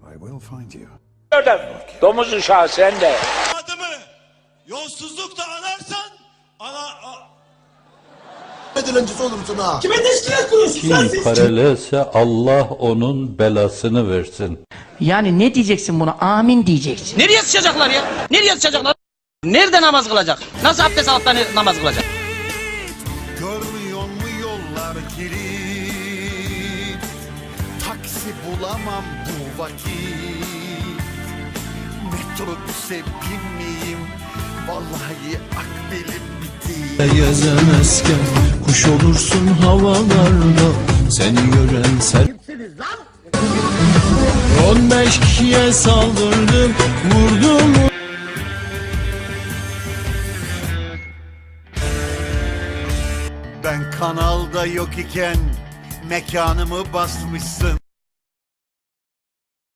I will find you. Domuz uşağı sen de. Adımı yolsuzlukla anarsan Dilencisi olursun ha. Kime teşkilat kuruyorsun sen Kim siz? paralelse Allah onun belasını versin. Yani ne diyeceksin buna? Amin diyeceksin. Nereye sıçacaklar ya? Nereye sıçacaklar? Nerede namaz kılacak? Nasıl abdest alıp da namaz kılacak? Görmüyor mu yollar kilit? Taksi bulamam bu vakit. Metrobüse binmeyeyim. Vallahi akbelim bitti. Gezemezken kuş olursun havalarda. Seni gören sen. Kimsiniz lan? 15 kişiye saldırdım, vurdum. Ben kanalda yok iken mekanımı basmışsın.